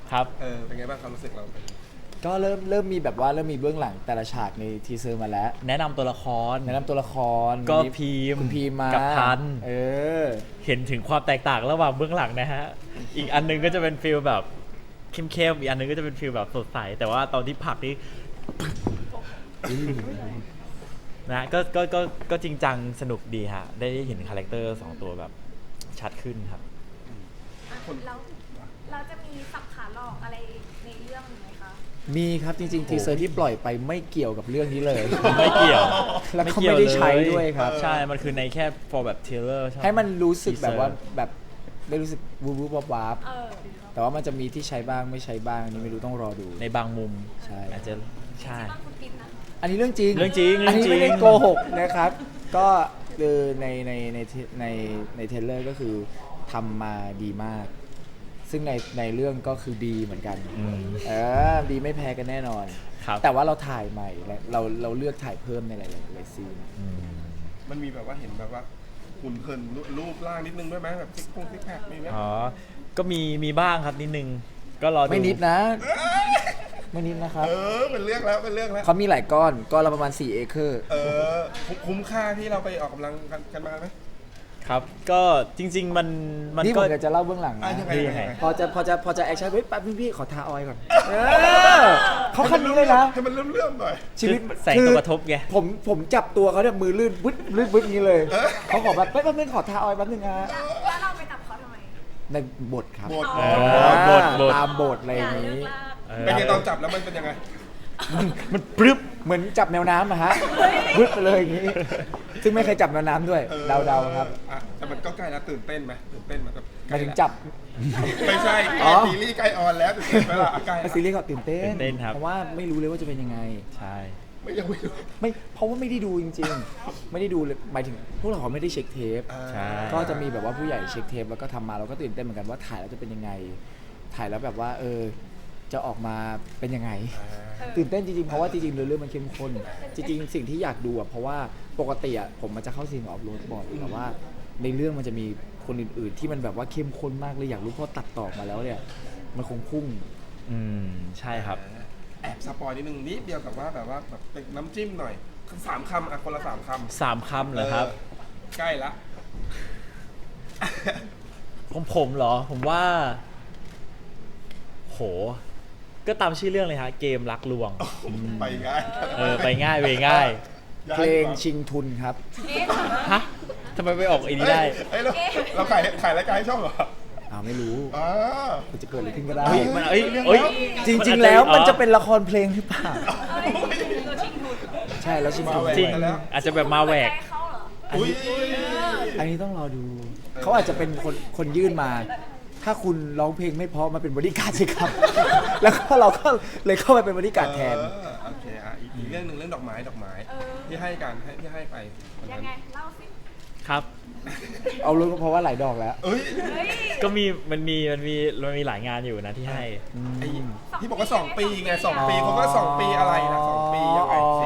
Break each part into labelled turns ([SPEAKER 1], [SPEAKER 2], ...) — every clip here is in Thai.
[SPEAKER 1] ครับ
[SPEAKER 2] เป็นไงบ้างความรู้สึกเรา
[SPEAKER 3] ก็เริ่มมีแบบว่าเริ่มมีเบื้องหลังแต่ละฉากในทีเซอร์มาแล้ว
[SPEAKER 1] แนะนำตัวละคร
[SPEAKER 3] แนะนำตัวละคร
[SPEAKER 1] ก็
[SPEAKER 3] วันนี้
[SPEAKER 1] พีม
[SPEAKER 3] คุณพีมมา
[SPEAKER 1] กับทัน เห็นถึงความแตกต่างระหว่างเบื้องหลังนะฮะ อีกอันนึงก็จะเป็นฟีลแบบเข้มๆอีกอันนึงก็จะเป็นฟีลแบบสดใสแต่ว่าตอนที่ผลักนี่นะก็จริงจังสนุกดีฮะได้เห็นคาแรคเตอร์2ตัวแบบชัดขึ้นครับ
[SPEAKER 4] เราจะมีสับขาหลอกอะไรในเรื่องไหมคะ
[SPEAKER 3] มีครับจริงๆทีเซอร์ที่ปล่อยไปไม่เกี่ยวกับเรื่องนี้เลย
[SPEAKER 1] ไม่เกี่ยว
[SPEAKER 3] แล้วเขาไม่ได้ใช้ด้วยครับ
[SPEAKER 1] ใช่มันคือในแค่ for แบบ trailer ใช่ไหม
[SPEAKER 3] ให้มันรู้สึกแบบว่าแบบได้รู้สึกวูบวูบวับวับ
[SPEAKER 4] เออ
[SPEAKER 3] แต่ว่ามันจะมีที่ใช้บ้างไม่ใช้บ้างอันนี้ไม่รู้ต้องรอดู
[SPEAKER 1] ในบางมุม
[SPEAKER 3] ใช่
[SPEAKER 1] อาจจะใช่
[SPEAKER 4] บ้านคุณปิ๊นนะ
[SPEAKER 3] อันนี้เรื่องจริง
[SPEAKER 1] เรื่องจริง
[SPEAKER 3] อันนี้ไม่ได้
[SPEAKER 1] เรื่องจริง
[SPEAKER 3] โกหกนะครับ ก็คือในเทรลเลอร์ก็คือทำมาดีมาก ซึ่งในเรื่องก็คือดีเหมือนกันดีไม่แพ้กันแน่นอน
[SPEAKER 1] ครับ
[SPEAKER 3] แต่ว่าเราถ่ายใหม่และเราเลือกถ่ายเพิ่มในหลายซีน
[SPEAKER 2] มันมีแบบว่าเห็นแบบว่าหุ่นเหินรูปร่างนิดนึงด้วยไหมแบบซิกแพคมีไหม
[SPEAKER 1] อ๋อ ก็มีบ้างครับนิดนึง ก็รอดู
[SPEAKER 3] ไม่นิดนะ ไม่นิดนะครับ
[SPEAKER 2] เป็นเรื่องแล้วเป็นเรื่องแล้ว
[SPEAKER 3] เขามีหลายก้อนละประมาณ4 เอเคอร์
[SPEAKER 2] คุ้มค่าที่เราไปออกกำลังกันมาไหม
[SPEAKER 1] ครับ ก็จริงๆมัน
[SPEAKER 3] นี่ผ
[SPEAKER 1] ก็
[SPEAKER 3] มจะเล่าเบื้องหลังนะ
[SPEAKER 2] ยังไง
[SPEAKER 1] ยังไง
[SPEAKER 3] พอจะแอคชั่นเฮ้ยแป๊บพี่ขอทาออยล์ก่อนเขาคันนี้เลยนะ
[SPEAKER 2] ให้มันเลื่อมๆหน่อย
[SPEAKER 3] ชีวิต
[SPEAKER 1] แสงตัวกระทบไง
[SPEAKER 3] ผมจับตัวเขาเนี่ยมือลื่นบึ้ดอย่างนี้เลยเขาขอแบบแป๊บนึงขอทาออยล์แป๊บนึงนะ
[SPEAKER 4] แล้วเราไปจับเขาทำไม
[SPEAKER 3] ในบทครับ
[SPEAKER 2] บท
[SPEAKER 1] บท
[SPEAKER 3] ตามบทอะไรอย่างนี้
[SPEAKER 2] เป็นไงตอนจับแล้วมันเป็นยังไง
[SPEAKER 1] มันปรึบ
[SPEAKER 3] เหมือนจับแนวน้ำอะฮะบึ้ดไปเลยอย่างนี้ ซึ่งไม่เคยจับแนวน้ำด้วยเดาครับ
[SPEAKER 2] แต่มันก็ใกล้แล้วตื่นเต้นไหมตื่นเต้นมันก็
[SPEAKER 3] หมายถึงจับ
[SPEAKER 2] ไม่ใช่
[SPEAKER 3] อ๋อ
[SPEAKER 2] ซีรีส์ใกล้ออนแล้วตื่นเต้นไหมล่ะใกล้
[SPEAKER 3] ซีรีส์เขาตื่นเต้
[SPEAKER 1] ตื่นเต้นครับ
[SPEAKER 3] เพราะว่าไม่รู้เลยว่าจะเป็นยังไง
[SPEAKER 1] ใช่
[SPEAKER 2] ยังไม่รู้
[SPEAKER 3] ไม่เพราะว่าไม่ได้ดูจริงๆ ไม่ได้ดูเลยหมายถึงพวกเราไม่ได้เช็คเทป
[SPEAKER 1] ใช่
[SPEAKER 3] ก็จะมีแบบว่าผู้ใหญ่เช็คเทปแล้วก็ทำมาเราก็ตื่นเต้นเหมือนกันว่าถ่ายแล้วจะเป็นยังไง ถ่ายแล้วแบบว่าจะออกมาเป็นยังไง ตื่นเต้นจริงๆเพราะว่าจริงๆเรื่องมันเข้มข้นจริงๆสิ่งที่อยากดูเพราะว่าปกติผมมันจะเข้าซีนกับออฟโรดบ่อยแต่ว่าในเรื่องมันจะมีคนอื่นๆ ที่มันแบบว่าเข้มข้นมากเลยอยากรู้เพราะตัดต่อมาแล้วเนี่ยมันคงพุ่ง
[SPEAKER 1] ใช่ครับ
[SPEAKER 2] แอบสปอยนิดนึงนิดเดียวกับว่าแบบเป็นน้ำจิ้มหน่อย3 คำคนละ3 คำ
[SPEAKER 1] 3 คำเหรอครับ
[SPEAKER 2] ใกล้ละ
[SPEAKER 1] ของผมเหรอ ผมว่า โห ก็ตามชื่อเรื่องเลยฮะ เกมรักลวง
[SPEAKER 2] ไปง่าย
[SPEAKER 1] ไปง่ายเวง่าย
[SPEAKER 3] เพลงชิงทุนครับ
[SPEAKER 1] ฮะทำไมไปออกไอ้นี้ได้
[SPEAKER 2] เราขายรายการให้ช่องเหรอ
[SPEAKER 3] ไม่รู้มันจะเกิดอะไรขึ้นก็ได้
[SPEAKER 1] มัน
[SPEAKER 3] จริงๆแล้วมันจะเป็นละครเพลงหรือเปล่า
[SPEAKER 4] ตัวชิงทุน
[SPEAKER 3] ใช่แล้วชิงทุน
[SPEAKER 1] จริง อาจจะแบบมาแหวก
[SPEAKER 4] ใจเขาเหรอ
[SPEAKER 2] อุ้ย
[SPEAKER 3] อันนี้ต้องรอดู เขาอาจจะเป็นคนยื่นมา ถ้าคุณร้องเพลงไม่เพราะมาเป็นบริการดสิครับ แล้วก็เราก็เลยเข้าไปเป็นบริการดแทน
[SPEAKER 2] โอเคอีกเรื่องหนึ่งเรื่องดอกไม้ที่ให้กันที่ให้ไปวัน
[SPEAKER 4] ยั
[SPEAKER 2] นั้
[SPEAKER 4] ง
[SPEAKER 2] น
[SPEAKER 4] ไงเล่าสิ
[SPEAKER 1] ครับ
[SPEAKER 3] เอารู้เพราะว่าหลายดอกแล้ว
[SPEAKER 2] เอ้ย
[SPEAKER 4] เฮ้ย
[SPEAKER 1] ก็มันมีหลายงานอยู่นะที่ให้
[SPEAKER 2] ไอ้ที่บอกว่า2 ปีไง2 ปีเขาก็2 ปีอะไรนะ2 ปียังไงสิ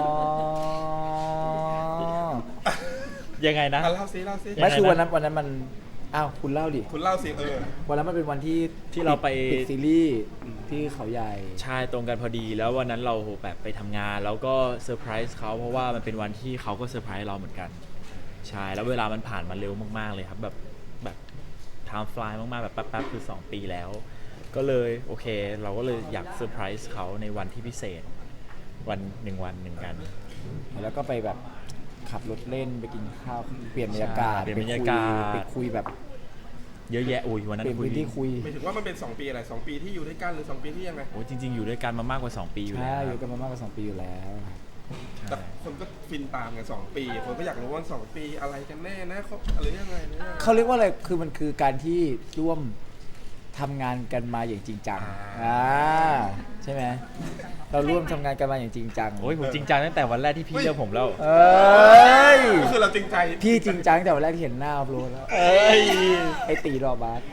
[SPEAKER 1] ยังไงนะ
[SPEAKER 2] เล่าสิ
[SPEAKER 3] ไม่คือวันนั้นมันอ้าวคุณเล่าดิ
[SPEAKER 2] คุณเล่าสิ
[SPEAKER 3] วันนั้นมันเป็นวันที่
[SPEAKER 1] เราไป
[SPEAKER 3] ปิดซีรีส์ที่เขาใหญ่
[SPEAKER 1] ใช่ตรงกันพอดีแล้ววันนั้นเราแบบไปทำงานแล้วก็เซอร์ไพรส์เขาเพราะว่ามันเป็นวันที่เขาก็เซอร์ไพรส์เราเหมือนกันใช่แล้วเวลามันผ่านมาเร็วมากๆเลยครับแบบไทม์ฟลายมากๆแบบแป๊บๆคือ2 ปีแล้ว ก็เลยโอเคเราก็เลยอยากเซอร์ไพรส์เขาในวันที่พิเศษวันหนึ่งกัน
[SPEAKER 3] แล้วก็ไปแบบขับรถเล่นไปกินข้าวเปลี่ยนบรรยากาศ
[SPEAKER 1] เปลี่ยนบรรยากาศ
[SPEAKER 3] ไปคุยแบบ
[SPEAKER 1] เยอะแยะอุ้ยวันนั้น
[SPEAKER 3] เปลี่ยนพื้นที่คุย
[SPEAKER 2] หมายถึงว่ามันเป็น2 ปีอะไร2 ปีที่อยู่ด้วยกันหรือ2 ปีที่ยังไง
[SPEAKER 1] โอ้ยจริงๆอยู่ด้วยกันมามากกว่า2 ปีอยู่แล้
[SPEAKER 3] ใช่
[SPEAKER 1] ว
[SPEAKER 3] อยู่กันมามากกว่า2 ปีอยู่แล้ว
[SPEAKER 2] แต่คนก็ฟินตามกัน2 ปีคนก็อยากรู้ว่า2 ปีอะไรกันแน่นะเขาหรือยังไงเนี่ย
[SPEAKER 3] เขาเรียกว่าอะไรคือมันคือการที่ร่วมทำงานกันมาอย่างจริงจังใช่ไหมเราร่วมทำงานกันมาอย่างจริงจัง
[SPEAKER 1] โอ้ยผมจริงจังตั้งแต่วันแรกที่พี่เลือกผมแล้ว
[SPEAKER 3] เอ้ย
[SPEAKER 2] ก็คือเราจริงใจ
[SPEAKER 3] พี่จริงจังแต่วันแรกที่เห็นหน้าอัพโหลดแล้ว
[SPEAKER 1] เอ้ย
[SPEAKER 3] ไอตีดอกบาส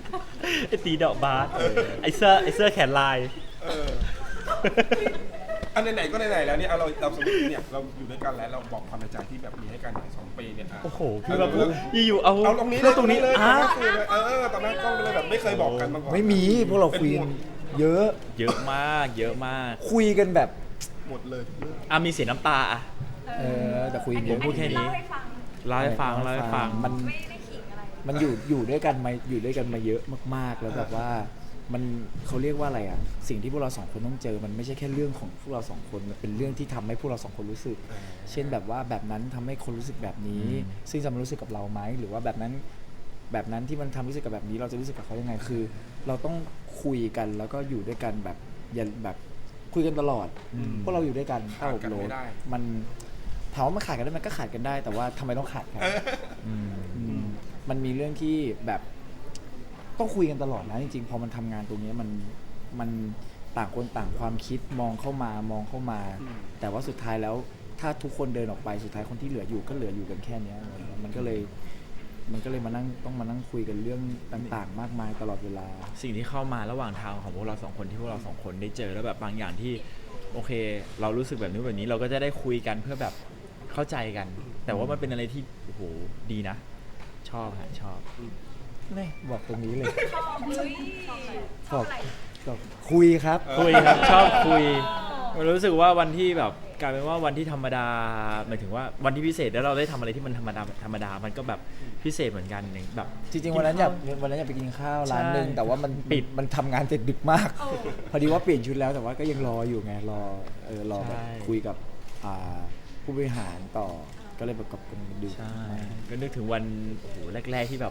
[SPEAKER 1] ไอตีดอกบาสไอเสื้อแขนลาย
[SPEAKER 2] เอออันไหนๆก็ไหนๆแล้วเนี่ยเราสมมติเนี่ยเราอยู่ด้วยกันแล้วเราบอกความในใจที่แบบมีให้กันหน่อย2 ปีเนี่ยะ
[SPEAKER 1] โอ้โหพี่มาพูดอยู่ๆเอา
[SPEAKER 2] เอาตรงนี้
[SPEAKER 1] เรื่องตรงนี้
[SPEAKER 2] เลย
[SPEAKER 1] อ่ะ
[SPEAKER 2] ตอนหน้ากล้องเลยแบบไม่เคยบอกกันมาก่อน
[SPEAKER 3] ไม่มีพวกเราคุยกันเยอะ
[SPEAKER 1] เยอะมากเยอะมาก
[SPEAKER 3] คุยกันแบบ
[SPEAKER 2] หมดเลยเรื่อง
[SPEAKER 1] มีเสียน้ำตาอ่ะ
[SPEAKER 3] แต่คุยกันเย
[SPEAKER 1] ผ
[SPEAKER 3] อะ
[SPEAKER 1] มพูดแค่นี้
[SPEAKER 4] เล่าให้ฟัง
[SPEAKER 1] เล่าให้ฟังเล่าให้ฟัง
[SPEAKER 3] มัน
[SPEAKER 4] ไม่ได้ขิงอะไร
[SPEAKER 3] มันอยู่ด้วยกันมาเยอะมากๆ แล้วแบบว่ามันเขาเรียกว่าอะไรอ่ะสิ่งที่พวกเราสองคนต้องเจอมันไม่ใช่แค่เรื่องของพวกเราสองคนมันเป็นเรื่องที่ทำให้พวกเราสองคนรู้สึก เช่นแบบว่าแบบนั้นทำให้คนรู้สึกแบบนี้ ซึ่งจะมารู้สึกกับเราไหมหรือว่าแบบนั้นที่มันทำรู้สึกกับแบบนี้เราจะรู้สึกกับเขายังไงคือ เราต้องคุยกันแล้วก็อยู่ด้วยกันแบบอย่าแบบคุยกันตลอดพวกเราอยู่ด้วยกัน
[SPEAKER 2] ขาดกัน
[SPEAKER 3] โล
[SPEAKER 2] ไม่ได้
[SPEAKER 3] มันถามว่ามันขาดกันได้มันก็ขาดกันได้ แต่ว่าทำไมต้องขาดกัน มันมีเรื่องที่แบบต้องคุยกันตลอดนะจริงๆพอมันทำงานตรงนี้มันต่างคนต่างความคิดมองเข้ามา แต่ว่าสุดท้ายแล้วถ้าทุกคนเดินออกไปสุดท้ายคนที่เหลืออยู่ก็เหลืออยู่กันแค่เนี้ยมันก็เลยมานั่งต้องมานั่งคุยกันเรื่องต่างๆ มากมายตลอดเวลา
[SPEAKER 1] สิ่งที่เข้ามาระหว่างทางของพวกเราสองคนที่พวกเราสองคนได้เจอแล้วแบบบางอย่างที่โอเค เรารู้สึกแบบนี้แบบนี้เราก็จะได้คุยกันเพื่อแบบเข้าใจกัน แต่ว่ามันเป็นอะไรที่โอ้โหดีนะ ชอบฮะชอบ
[SPEAKER 3] นี่บอกตรงนี้เลย
[SPEAKER 4] ชอบเฮ้ยชอบอะไร
[SPEAKER 3] บอกคุยครับ
[SPEAKER 1] คุยครับชอบคุยรู้สึกว่าวันที่แบบกลายเป็นว่าวันที่ธรรมดาหมายถึงว่าวันที่พิเศษแล้วเราได้ทำอะไรที่มันธรรมดามันก็แบบพิเศษเหมือนกันอย่างแบบ
[SPEAKER 3] จริงๆวันนั้นอยากไปกินข้าวร้านหนึ่ง
[SPEAKER 1] ใช่
[SPEAKER 3] แต่ว่ามัน
[SPEAKER 1] ปิด
[SPEAKER 3] มันทำงานเสร็จดึกมาก พอดีว่าเปลี่ยนชุดแล้วแต่ว่าก็ยังรออยู่ไงรอแบบคุยกับผู้บริหารต่อก็เลยแบบกับกันดึก
[SPEAKER 1] ใช่
[SPEAKER 3] มาก
[SPEAKER 1] ก็นึกถึงวันโอ้โหแรกๆที่แบบ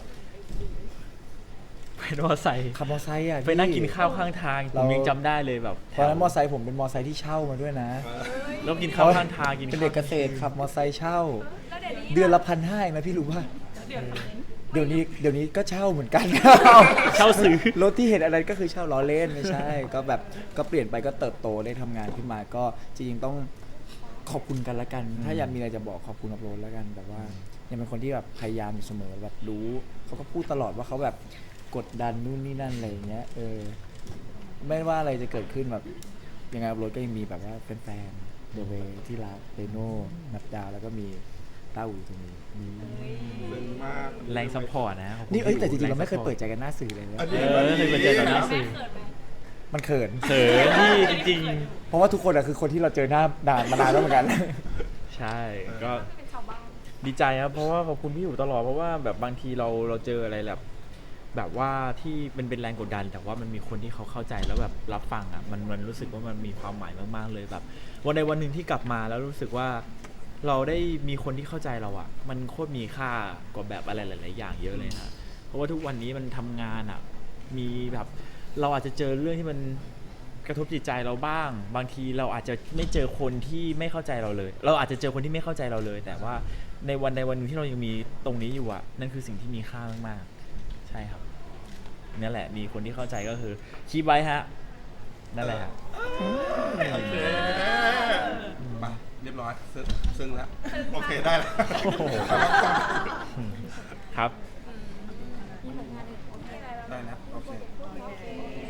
[SPEAKER 1] เป็นมอไซค์
[SPEAKER 3] ขับมอไซค์อ่ะ
[SPEAKER 1] ไปนั่งกินข้าวข้างทางผ
[SPEAKER 3] เรา
[SPEAKER 1] มยังจำได้เลยแบบ
[SPEAKER 3] ตอนนั้นมอไซค์ผมเป็นมอไซค์ที่เช่ามาด้วยนะ
[SPEAKER 1] แล้วกินข้าวข้างทางกิน
[SPEAKER 3] เป็นเด็กเกษตรขับมอไซค์เช่า
[SPEAKER 4] แล้วเดี๋ยวนี้
[SPEAKER 3] เดือนละ1,500เองนะพี่รู้ป่ะเดี๋ยวนี้ก็เช่าเหมือนกัน
[SPEAKER 1] เช่าซื้อ
[SPEAKER 3] รถที่เห็นอะไรก็คือเช่าล้อเล่นไม่ใช่ ก็แบบก็เปลี่ยนไปก็เติบโตได้ทำงานขึ้นมาก็จริงๆต้องขอบคุณกันละกัน ถ้าอยากมีอะไรจะบอกขอบคุณอัพโหลดละกันแบบว่ายังเป็นคนที่แบบพยายามอยู่เสมอแบบรู้เขาก็พูดตลอดว่าเขาแบบกดดันนู่นนี่นั่นอะไรอย่างเงี้ยไม่ว่าอะไรจะเกิดขึ้นแบบยังไงอัพโหลดก็ยังมีแบบว่าแฟนๆเดเวที่รักเรโน่นัดดาแล้วก็มีต้าอูตรงนี้
[SPEAKER 2] ซึ้งมาก
[SPEAKER 1] แรงซัพพอร์ตนะขอบคุณ
[SPEAKER 3] นี่แต่จริงๆ
[SPEAKER 1] แ
[SPEAKER 3] เราไม่เคยเปิดใจกันหน้าสื่อเลยนะ
[SPEAKER 2] อันนี้
[SPEAKER 1] ไม่เคยเปิดใจต่อหน้าสื่อ
[SPEAKER 3] มันเขิน
[SPEAKER 1] เขินที่จริง
[SPEAKER 3] เพราะว่าทุกคนอะคือคนที่เราเจอหน้ามานานแล้วเหมือนกัน
[SPEAKER 1] ๆ ใช่ก็
[SPEAKER 4] เป็นชาวบ้าน
[SPEAKER 1] ดีใจครับเพราะว่าขอบคุณพี่อยู่ตลอดเพราะว่าแบบบางทีเราเจออะไรแบบว่าที่มันเป็นแรงกดดัน แต่ว่ามันมีคนที่เขาเข้าใจแล้วแบบรับฟังอ่ะมันรู้สึกว่ามันมีความหมายมากๆเลยแบบวันใดวันหนึ่งที่กลับมาแล้วรู้สึกว่าเราได้มีคนที่เข้าใจเราอ่ะมันโคตรมีค่ากว่าแบบอะไรหลายๆอย่างเยอะเลยนะเพราะว่าทุกวันนี้มันทำงานอ่ะมีแบบเราอาจจะเจอเรื่องที่มันกระทบจิตใจเราบ้าง บางทีเราอาจจะไม่เจอคนที่ไม่เข้าใจเราเลย เราอาจจะเจอคนที่ไม่เข้าใจเราเลย แต่ว่าในวันใดวันหนึ่งที่เรายังมีตรงนี้อยู่อ่ะนั่นคือสิ่งที่มีค่ามากๆใช่ครับนั่นแหละมีคนที่เข้าใจก็คือคีบไว้ฮะนั่นแหละฮะ
[SPEAKER 2] โอเคไปเรียบร้อยซึ้งแล้วโอเคได้แล้ว
[SPEAKER 1] โอ้โห ครับ
[SPEAKER 4] มีผลงานอื่นโอเคอะไรแล้ว
[SPEAKER 2] ได้แล้วโอเค
[SPEAKER 4] โอเค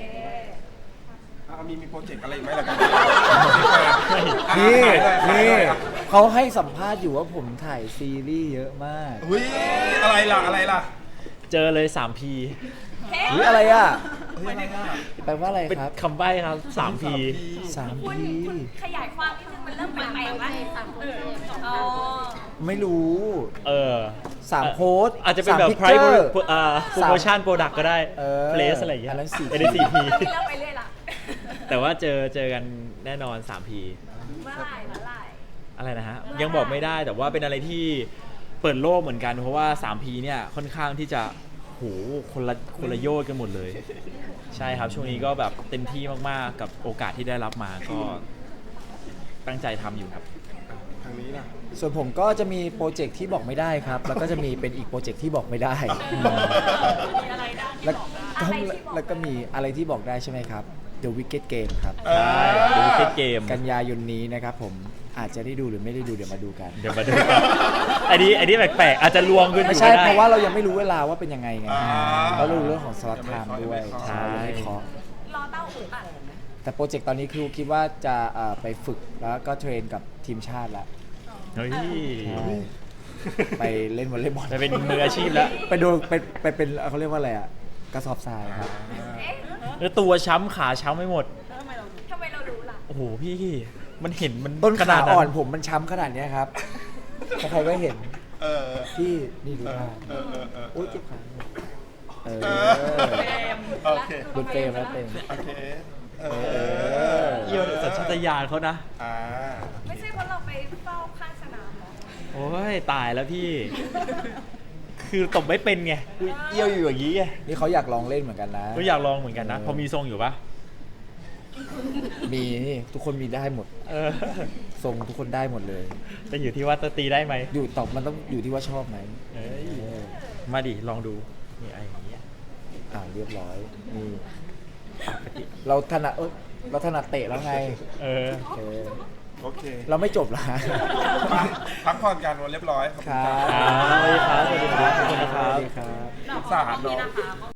[SPEAKER 2] มีโปรเจกต์อะไรอีกไหมล่ะครับ
[SPEAKER 3] นี่เขาให้สัมภาษณ์อยู่ว่าผมถ่ายซีรีส์เยอะมาก
[SPEAKER 2] อุ้ยอะไรล่ะ
[SPEAKER 1] เจอเลย 3P
[SPEAKER 3] หรืออะไรอ่ะ
[SPEAKER 2] เฮ้ยอะไรอ่ะ
[SPEAKER 3] แปลว่าอะไร
[SPEAKER 1] เป็น
[SPEAKER 3] ครับ
[SPEAKER 1] คำใบ้ครับ 3P
[SPEAKER 3] 3
[SPEAKER 4] คุณ
[SPEAKER 3] พี
[SPEAKER 4] ขยายความนิดนึงมันเริ่มแปลกๆแล้วอ๋อ
[SPEAKER 3] ไม่รู้ 3โพสต์
[SPEAKER 1] อาจจะเป็นแบบ
[SPEAKER 3] 3
[SPEAKER 1] price
[SPEAKER 3] picture
[SPEAKER 1] promotion product ก็ได้ place อะไรอย่างเงี้ย
[SPEAKER 3] อันนั้น 4P
[SPEAKER 1] อันนี้ 4P
[SPEAKER 4] เริ่มไปเรื่อยละ
[SPEAKER 1] แต่ว่าเจอกันแน่นอน 3P
[SPEAKER 4] เมื่อไหร่
[SPEAKER 1] อะไรนะฮะ
[SPEAKER 4] เมื่อไหร่
[SPEAKER 1] ยังบอกไม่ได้แต่ว่าเป็นอะไรที่เปิดโลกเหมือนกัน เพราะว่า 3P เนี่ยค่อนข้างที่จะโหคนละโยชน์กันหมดเลย ใช่ครับช่วงนี้ก็แบบเต็มที่มากๆกับโอกาสที่ได้รับมาก็ตั้งใจทำอยู่ครับ
[SPEAKER 2] ทางนี้ล่ะ
[SPEAKER 3] ส่วนผมก็จะมีโปรเจกต์ที่บอกไม่ได้ครับ แล้วก็จะมีเป็นอีกโปรเจกต์ที่บอกไม่ได้
[SPEAKER 4] มีอะไรได้
[SPEAKER 3] แล้ว
[SPEAKER 4] ที่
[SPEAKER 3] ก็
[SPEAKER 4] บอกได้อะไรที่บอก
[SPEAKER 3] แล้วก็มีอะไรที่บอกได้ใช่ไหมครับ The Wicked Game ครับ
[SPEAKER 1] ใช่ดูวิกเกม
[SPEAKER 3] กันยายนนี้นะครับผมอาจจะได้ดูหรือไม่ได้ดูเดี๋ยวมาดูกัน
[SPEAKER 1] เดี๋ยวมาดูกันอันนี้แปลกๆอาจจะลวงขึ้นอ
[SPEAKER 3] ไม่
[SPEAKER 1] ยู่
[SPEAKER 3] ใช่
[SPEAKER 1] ก็ได้
[SPEAKER 3] เพราะว่าเรายังไม่รู้เวลาว่าเป็นยังไงไง
[SPEAKER 2] อ่า
[SPEAKER 3] เรารู้เรื่องของสล็อตไทม์ด้วย
[SPEAKER 2] ใช่
[SPEAKER 3] ยังไม่เคาะ
[SPEAKER 4] รอเต้าอู่อัด
[SPEAKER 3] แต่โปรเจกต์ตอนนี้คือคิดว่าจะไปฝึกแล้วก็เทรนกับทีมชาติแล้ว
[SPEAKER 1] เฮ้ย
[SPEAKER 3] ใช่ไปเล่นวอลเลย์บอล
[SPEAKER 1] จะเป็นมืออาชีพแล้ว
[SPEAKER 3] ไปโดนไปเป็นเขาเรียกว่าอะไรอ่ะกระสอบทรายครับ
[SPEAKER 4] เอ๊ะ
[SPEAKER 1] แล้วตัวช้ำขาช้ำไม่หมด
[SPEAKER 4] ทำไมเรารู้ล่ะ
[SPEAKER 1] โอ้โหพี่มันเห็นมัน
[SPEAKER 3] ต้น
[SPEAKER 1] ข
[SPEAKER 3] ขา
[SPEAKER 1] นาด
[SPEAKER 3] อ่อนผมมันช้ำขนาดเนี้ยครับใครๆก็เห็น
[SPEAKER 2] เออ
[SPEAKER 3] ที่นี่ดูท่า
[SPEAKER 2] เออเออ
[SPEAKER 3] โอ๊ยเจ็บขาเออ
[SPEAKER 2] โอเค
[SPEAKER 3] ดูเฟรมแล้วเฟรม
[SPEAKER 2] โอเคเอ
[SPEAKER 3] อ
[SPEAKER 1] เยี่ยวสัญชาตญาณเขานะ
[SPEAKER 2] อ่า
[SPEAKER 4] ไม่ใช่เพราะเราไปเฝ้าข้างสนามหรอ
[SPEAKER 1] โอ้ยตายแล้วพี่ คือตบไม่เป็นไงเยี่ยวอยู่อย่างนี้ไง
[SPEAKER 3] นี่เขาอยากลองเล่นเหมือนกันนะ
[SPEAKER 1] ก็อยากลองเหมือนกันนะ พอมีทรงอยู่ปะ
[SPEAKER 3] มีนี่ทุกคนมีได้หมด
[SPEAKER 1] เออ
[SPEAKER 3] ทรงทุกคนได้หมดเลย
[SPEAKER 1] แต่อยู่ที่ว่าจะตีได้ไหม
[SPEAKER 3] อยู่ตอบมันต้องอยู่ที่ว่าชอบไหม
[SPEAKER 1] เอ้ย
[SPEAKER 3] เออ
[SPEAKER 1] มาดิลองดูนี่ไอ้อย่างเงี้ย
[SPEAKER 3] เรียบร้อยนี่เราถนัดเราถนัดเตะแล้วไง
[SPEAKER 1] เออ
[SPEAKER 3] โอเค
[SPEAKER 2] โอเค
[SPEAKER 3] เราไม่จบละ
[SPEAKER 2] พักผ่อนกันวันเรียบร้อยขอบ
[SPEAKER 3] ค
[SPEAKER 2] คุณ
[SPEAKER 3] รั
[SPEAKER 2] ครับ บ
[SPEAKER 1] สวัสดีครับสวัสดีครับขอบคุณนะครับ
[SPEAKER 3] สวัสดีครับ
[SPEAKER 2] สาดเนาะ